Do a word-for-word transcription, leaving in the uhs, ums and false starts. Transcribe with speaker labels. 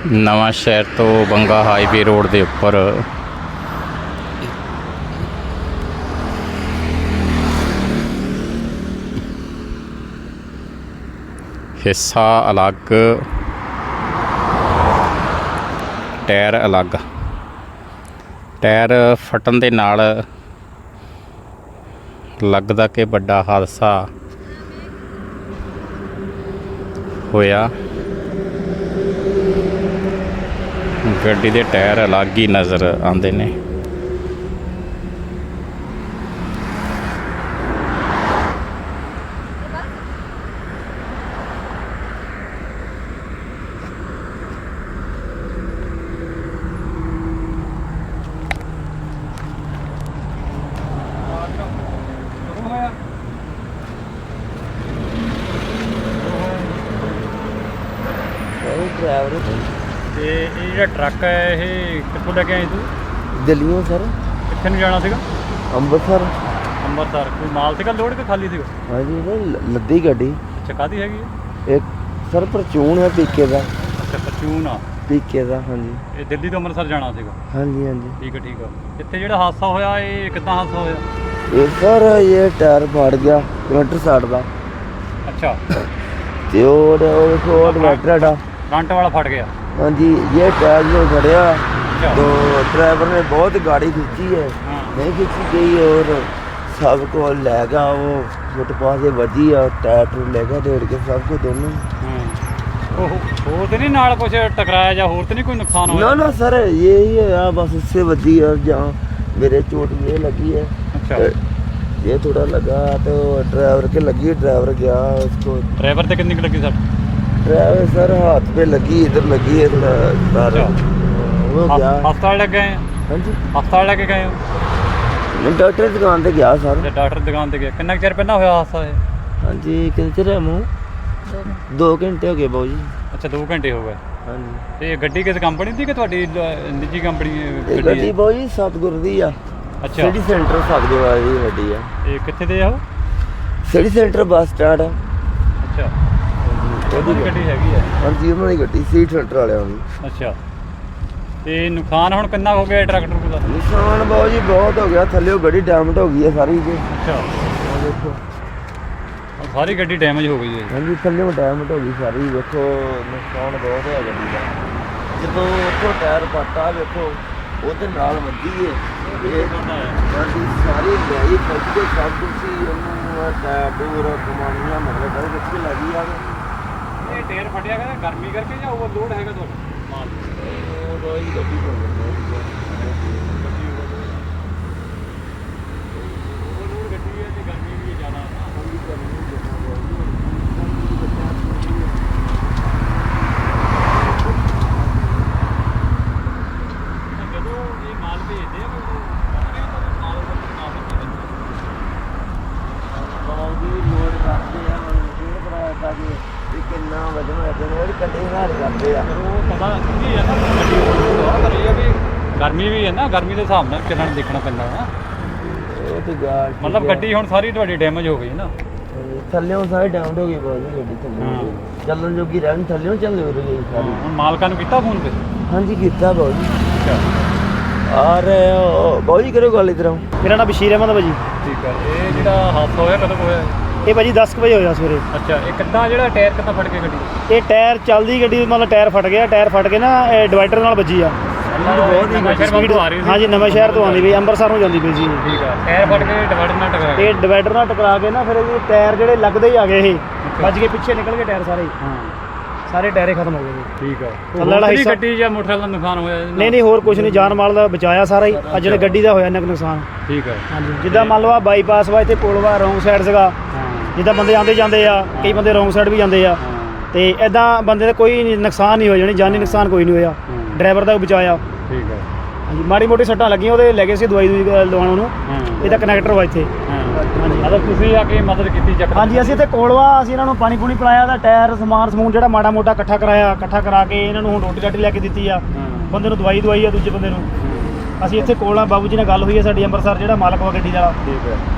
Speaker 1: ਨਵਾਂ ਸ਼ਹਿਰ ਤੋਂ ਬੰਗਾ ਹਾਈਵੇ ਰੋਡ ਦੇ ਉੱਪਰ ਹਿੱਸਾ ਅਲੱਗ, ਟਾਇਰ ਅਲੱਗ। ਟਾਇਰ ਫਟਣ ਦੇ ਨਾਲ ਲੱਗਦਾ ਕਿ ਵੱਡਾ ਹਾਦਸਾ ਹੋਇਆ। ਗੱਡੀ ਦੇ ਟਾਇਰ ਅਲੱਗ ਹੀ ਨਜ਼ਰ ਆਉਂਦੇ ਨੇ।
Speaker 2: ड्राइवर
Speaker 3: ਤੇ ਇਹ ਜਿਹੜਾ ਟਰੱਕ ਹੈ ਇਹ ਕਿੱਥੋਂ ਲੈ ਕੇ ਆਏ ਤੂੰ?
Speaker 2: दिल्लियों सर
Speaker 3: ਕਿੱਥੇ ਨੂੰ ਜਾਣਾ ਸੀਗਾ?
Speaker 2: ਅੰਮ੍ਰਿਤਸਰ।
Speaker 3: ਅੰਮ੍ਰਿਤਸਰ। ਕੋਈ ਮਾਲ ਸੀਗਾ ਲੋਡ ਕਿ ਖਾਲੀ ਸੀਗਾ?
Speaker 2: हाँ जी सर लद्दी गाड़ी
Speaker 3: ਅੱਛਾ, ਕਾਹਦੀ ਹੈਗੀ ਹੈ?
Speaker 2: एक सर परचून है पीके का।
Speaker 3: ਅੱਛਾ, ਫਰਚੂਨ ਆ।
Speaker 2: पीके का हाँ जी
Speaker 3: ਇਹ ਦਿੱਲੀ ਤੋਂ ਅੰਮ੍ਰਿਤਸਰ ਜਾਣਾ ਸੀਗਾ।
Speaker 2: हाँ जी हाँ जी।
Speaker 3: ਠੀਕ ਹੈ ਠੀਕ ਆ। ਇੱਥੇ ਜਿਹੜਾ ਹਾਦਸਾ ਹੋਇਆ ਇਹ ਕਿੱਦਾਂ ਹਾਦਸਾ ਹੋਇਆ?
Speaker 2: ये सर ये टायर फाड़ गया इन्वर्टर साइड का।
Speaker 3: ਅੱਛਾ,
Speaker 2: ते और वो इन्वर्टर है।
Speaker 3: ਫਰੰਟ वाला फट गया।
Speaker 2: हाँ जी ये टायर जो फड़िया
Speaker 3: अच्छा।
Speaker 2: तो ड्राइवर ने बहुत गाड़ी खींची है,
Speaker 3: हाँ।
Speaker 2: नहीं खींची गई और सबको ले गया वो फुटपाथ से बजी और टायर टूर ले गया डेढ़ के सबको दोनों।
Speaker 3: ਹਾਂ। ਉਹ ਹੋਰ ਤੇ ਨਹੀਂ ਨਾਲ ਕੁਝ ਟਕਰਾਇਆ ਜਾਂ ਹੋਰ ਤੇ नहीं कोई नुकसान
Speaker 2: ना
Speaker 3: होया?
Speaker 2: ना सर यही है यार, बस उससे बजी और जहाँ मेरे चोट ये लगी है।
Speaker 3: अच्छा,
Speaker 2: ये थोड़ा लगा तो ड्राइवर के लगी, ड्राइवर गया उसको।
Speaker 3: ड्राइवर ਤੇ ਕਿੰਨੀ ਕੁ ਲੱਗੀ ਸਰ?
Speaker 2: ड्राइवर सर हाथ पे लगी, इधर लगी है थोड़ा तार।
Speaker 3: अच्छा।
Speaker 2: वो गया।
Speaker 3: ਹਸਪਤਾਲ ਲੈ ਗਏ?
Speaker 2: हाँ जी
Speaker 3: ਹਸਪਤਾਲ ਲੈ ਕੇ ਗਏ ਹੋ?
Speaker 2: मैं डॉक्टर की दुकान पे गया सर।
Speaker 3: ਤੇ ਡਾਕਟਰ ਦੀ ਦੁਕਾਨ ਤੇ ਗਏ? ਕਿੰਨਾ ਕੁ ਚਿਰ ਪਹਿਲਾਂ ਹੋਇਆ ਹਾਦਸਾ ਇਹ?
Speaker 2: हाँ जी कितने चਿਰ है मुँह? दो घंटे हो गए बाबू जी।
Speaker 3: ਅੱਛਾ, ਦੋ ਘੰਟੇ ਹੋ ਗਏ।
Speaker 2: हाँ जी
Speaker 3: ਤੇ ਗੱਡੀ ਕਿਸ ਕੰਪਨੀ ਦੀ ਕਿ ਤੁਹਾਡੀ ਲ- ਨਿੱਜੀ ਕੰਪਨੀ
Speaker 2: ਇਹ
Speaker 3: ਗੱਡੀ
Speaker 2: ਗੱਡੀ
Speaker 3: ਹੈ?
Speaker 2: ਬਾਬੂ ਜੀ ਸਤਿਗੁਰ ਦੀ ਆ।
Speaker 3: ਅੱਛਾ,
Speaker 2: ਸਿਟੀ ਸੈਂਟਰ ਸਤਿਗੁਰ ਵਾਲੀ ਗੱਡੀ ਆ।
Speaker 3: ਇਹ ਕਿੱਥੇ ਦੇ ਆ ਉਹ?
Speaker 2: ਸਿਟੀ ਸੈਂਟਰ ਬੱਸ ਸਟੈਂਡ ਆ।
Speaker 3: ਅੱਛਾ,
Speaker 2: ਉਹਦੀ
Speaker 3: ਉਹਦੀ ਗੱਡੀ ਹੈਗੀ ਹੈ।
Speaker 2: ਹਾਂ ਜੀ ਉਹਨਾਂ ਦੀ ਗੱਡੀ ਸੀਟ ਸੈਂਟਰ ਵਾਲਿਆਂ ਦੀ।
Speaker 3: ਅੱਛਾ, ਤੇ ਨੁਕਸਾਨ ਹੁਣ ਕਿੰਨਾ ਹੋ ਗਿਆ ਟਰੈਕਟਰ ਦਾ?
Speaker 2: ਨਿਸ਼ਾਨ ਬਾਬੂ ਜੀ ਬਹੁਤ ਹੋ ਗਿਆ, ਥੱਲੇ ਗੱਡੀ ਡੈਮੇਜ ਹੋ ਗਈ ਹੈ ਸਾਰੀ ਜੀ।
Speaker 3: ਅੱਛਾ,
Speaker 2: ਆਹ ਦੇਖੋ
Speaker 3: ਹੁਣ ਸਾਰੀ ਗੱਡੀ ਡੈਮੇਜ ਹੋ ਗਈ ਹੈ।
Speaker 2: ਹਾਂ ਜੀ ਥੱਲੇ ਡੈਮੇਜ ਹੋ ਗਈ ਸਾਰੀ, ਵੇਖੋ ਨੁਕਸਾਨ ਬਹੁਤ ਹੋਇਆ ਗੱਡੀ ਦਾ। ਜਦੋਂ ਉੱਥੋਂ ਟਾਇਰ ਪਾਟਾ ਵੇਖੋ ਉਹਦੇ ਨਾਲ ਵੱਜੀ ਹੈ। ਇਹ ਗੱਡੀ ਸਾਰੀ ਗਈ ਫੱਜ ਕੇ ਸਭ ਕੁਝ ਹੀ ਉਹਨੂੰ ਟਾਇਰ ਡੋਰ ਕਮਾਨੀਆਂ ਮਤਲਬ ਸਾਰੇ ਕਿੱਥੇ ਲੱਗੀ ਆ।
Speaker 3: ਇਹ ਟਾਇਰ ਫਟਿਆ ਗਿਆ ਗਰਮੀ ਕਰਕੇ ਜਾਂ ਓਵਰਲੋਡ ਹੈਗਾ ਤੁਹਾਡਾ ਮਾਲ?
Speaker 2: ਉਹ ਰੋਈ ਗੱਡੀ ਤੋਂ
Speaker 3: ਓਵਰਲੋਡ ਗੱਡੀ ਹੈ ਤੇ ਗਰਮੀ ਵੀ ਜ਼ਿਆਦਾ ਹੈ। ਜਦੋਂ ਇਹ ਮਾਲ ਭੇਜਦੇ ਆ ਮਾਲ
Speaker 2: ਬਾਉਦੀ ਲੋਡ ਕਰਦੇ ਆ, ਲੋਡ ਕਰਾਇਆ ਤਾਂ ਕਿ ਕਿੰਨਾ ਵਜਨ ਹੈ ਤੇ ਉਹ ਕੱਢੇ ਹਾਰ ਕਰਦੇ ਆ।
Speaker 3: ਉਹ ਪਤਾ ਕੀ ਹੈ ਨਾ, ਗੱਡੀ ਓਵਰਲੋਡ ਕਰ ਰਹੀ ਹੈ ਵੀ ਗਰਮੀ ਵੀ ਹੈ ਨਾ, ਗਰਮੀ ਦੇ ਹਿਸਾਬ ਨਾਲ ਚੱਲਣ ਦੇਖਣਾ ਪੈਂਦਾ ਹੈ।
Speaker 2: ਉਹ ਤੇ ਗਾਲ
Speaker 3: ਮਤਲਬ ਗੱਡੀ ਹੁਣ ਸਾਰੀ ਤੁਹਾਡੀ ਡੈਮੇਜ ਹੋ ਗਈ ਨਾ?
Speaker 2: ਥੱਲਿਓਂ ਸਾਰੇ ਡਾਊਨ ਹੋ ਗਈ ਬਾਉਦੀ ਗੱਡੀ ਥੱਲੇ ਚੱਲਣ ਜੋਗੀ ਰਹਿਣ, ਥੱਲਿਓਂ ਚੱਲ ਹੋ ਰਹੀ ਸਾਰੀ।
Speaker 3: ਹੁਣ ਮਾਲਕਾਂ ਨੂੰ ਕੀਤਾ ਫੋਨ ਤੇ?
Speaker 2: ਹਾਂਜੀ ਕੀਤਾ ਬਾਉਦੀ।
Speaker 3: ਅੱਛਾ,
Speaker 2: ਆ ਰਹੇ ਹੋ ਬਾਉਦੀ, ਕਰੋ ਗੱਲ ਇਧਰ।
Speaker 4: ਮੇਰਾ ਨਾਮ ਬਸ਼ੀਰ ਅਹਿਮਦ ਭਾਜੀ।
Speaker 3: ਠੀਕ ਹੈ। ਇਹ ਜਿਹੜਾ ਹਾਦਸਾ ਹੋਇਆ ਕਦੋਂ ਕੁ ਹੋਇਆ?
Speaker 4: ਇਹ ਭਾਜੀ ਦਸ ਕੁ ਵਜੇ ਹੋਇਆ ਸਵੇਰੇ।
Speaker 3: ਅੱਛਾ, ਇਹ ਕਿੱਦਾਂ ਜਿਹੜਾ ਟਾਇਰ ਕਿੱਦਾਂ ਫਟ ਕੇ ਗੱਡੀ?
Speaker 4: ਇਹ ਟਾਇਰ ਚੱਲਦੀ ਗੱਡੀ ਮਤਲਬ ਟਾਇਰ ਫਟ ਗਿਆ, ਟਾਇਰ ਫਟ ਕੇ ਨਾ ਇਹ ਡਿਵਾਈਡਰ ਨਾਲ ਵੱਜੀ ਆ।
Speaker 3: ਬਹੁਤ ਹੀ ਨਵਾਂ ਸ਼ਹਿਰ ਵੱਲੋਂ ਆ ਰਹੀ ਸੀ?
Speaker 4: ਹਾਂਜੀ, ਨਵਾਂ ਸ਼ਹਿਰ ਤੋਂ ਆਉਂਦੀ ਪਈ, ਅੰਮ੍ਰਿਤਸਰ ਨੂੰ ਜਾਂਦੀ ਪਈ ਸੀ।
Speaker 3: ਠੀਕ ਆ, ਟਾਇਰ ਫਟ ਕੇ ਡਿਵਾਈਡਰ ਨਾਲ ਟਕਰਾ ਗਿਆ।
Speaker 4: ਇਹ ਡਿਵਾਈਡਰ ਨਾਲ ਟਕਰਾ ਕੇ ਨਾ ਫਿਰ ਇਹ ਟਾਇਰ ਜਿਹੜੇ ਲੱਗਦੇ ਹੀ ਆ ਗਏ, ਇਹ ਵੱਜ ਕੇ ਪਿੱਛੇ ਨਿਕਲ ਗਏ ਟਾਇਰ ਸਾਰੇ ਹੀ।
Speaker 3: ਹਾਂ,
Speaker 4: ਸਾਰੇ ਟਾਇਰੇ ਖਤਮ ਹੋ ਗਏ ਜੀ।
Speaker 3: ਠੀਕ ਆ।
Speaker 4: ਥੱਲੇ ਵਾਲਾ ਹਿੱਸਾ-
Speaker 3: ਗੱਡੀ ਜਾਂ ਮੋਟਰਸਾਈਕਲ ਦਾ ਨੁਕਸਾਨ ਹੋਇਆ?
Speaker 4: ਨਹੀਂ ਨਹੀਂ ਹੋਰ ਕੁਝ ਨਹੀਂ, ਜਾਨ ਮਾਲ ਦਾ ਬਚਾਇਆ ਸਾਰਾ ਹੀ। ਅੱਜ ਜਿਹੜੇ ਗੱਡੀ ਦਾ ਹੋਇਆ ਇੰਨਾ ਕੁ ਨੁਕਸਾਨ।
Speaker 3: ਠੀਕ ਆ।
Speaker 4: ਹਾਂਜੀ, ਜਿੱਦਾਂ ਮੰਨ ਲਓ ਆ ਬਾਈਪਾਸ ਵਾ, ਇੱਥੇ ਪੁਲ ਵਾ, ਰੋਂਗ ਸਾਈਡ ਸੀਗਾ।
Speaker 3: ਹਾਂ
Speaker 4: ਜਿੱਦਾਂ ਬੰਦੇ ਆਉਂਦੇ ਜਾਂਦੇ ਆ, ਕਈ ਬੰਦੇ ਰੋਂਗ ਸਾਈਡ ਵੀ ਜਾਂਦੇ ਆ,
Speaker 3: ਹਾਂ,
Speaker 4: ਤੇ ਐਦਾਂ ਬੰਦੇ ਦਾ ਕੋਈ ਨੁਕਸਾਨ ਨਹੀਂ ਹੋਇਆ, ਜਾਣੀ ਜਾਨੀ ਨੁਕਸਾਨ ਕੋਈ ਨਹੀਂ ਹੋਇਆ।
Speaker 3: ਹਾਂ।
Speaker 4: ਡਰਾਈਵਰ ਦਾ ਵੀ ਬਚਾਇਆ।
Speaker 3: ਠੀਕ ਆ।
Speaker 4: ਹਾਂਜੀ, ਮਾੜੀ ਮੋਟੀ ਸੱਟਾਂ ਲੱਗੀਆਂ, ਉਹਦੇ ਲੈ ਗਏ ਸੀ ਦਵਾਈ ਦੂਈ ਲਵਾਉਣ ਨੂੰ।
Speaker 3: ਹਾਂ।
Speaker 4: ਇਹਦਾ ਕਨੈਕਟਰ ਵਾ ਇੱਥੇ।
Speaker 3: ਹਾਂ,
Speaker 4: ਹਾਂਜੀ
Speaker 3: ਮਤਲਬ ਤੁਸੀਂ ਆ ਕੇ ਮਦਦ ਕੀਤੀ ਚੱਕ?
Speaker 4: ਹਾਂਜੀ, ਅਸੀਂ ਇੱਥੇ ਕੋਲਵਾ ਅਸੀਂ ਇਹਨਾਂ ਨੂੰ ਪਾਣੀ ਪੂਣੀ ਪਿਲਾਇਆ, ਦਾ ਟਾਇਰ ਸਮਾਨ ਸਮੂਨ ਜਿਹੜਾ ਮਾੜਾ ਮੋਟਾ ਇਕੱਠਾ ਕਰਾਇਆ, ਇਕੱਠਾ ਕਰਾ ਕੇ ਇਹਨਾਂ ਨੂੰ ਹੁਣ ਰੋਟੀ ਰਾਟੀ ਲੈ ਕੇ ਦਿੱਤੀ ਆ।
Speaker 3: ਹਾਂ।
Speaker 4: ਬੰਦੇ ਨੂੰ ਦਵਾਈ ਦਵਾਈ ਆ, ਦੂਜੇ ਬੰਦੇ ਨੂੰ। ਅਸੀਂ ਇੱਥੇ ਕੋਲ ਆ, ਬਾਬੂ ਜੀ ਨਾਲ ਗੱਲ ਹੋਈ ਹੈ ਸਾਡੀ ਅੰਮ੍ਰਿਤਸਰ, ਜਿਹੜਾ ਮਾਲਕ ਵਾ ਗੱਡੀ ਦਾ।
Speaker 3: ਠੀਕ ਹੈ।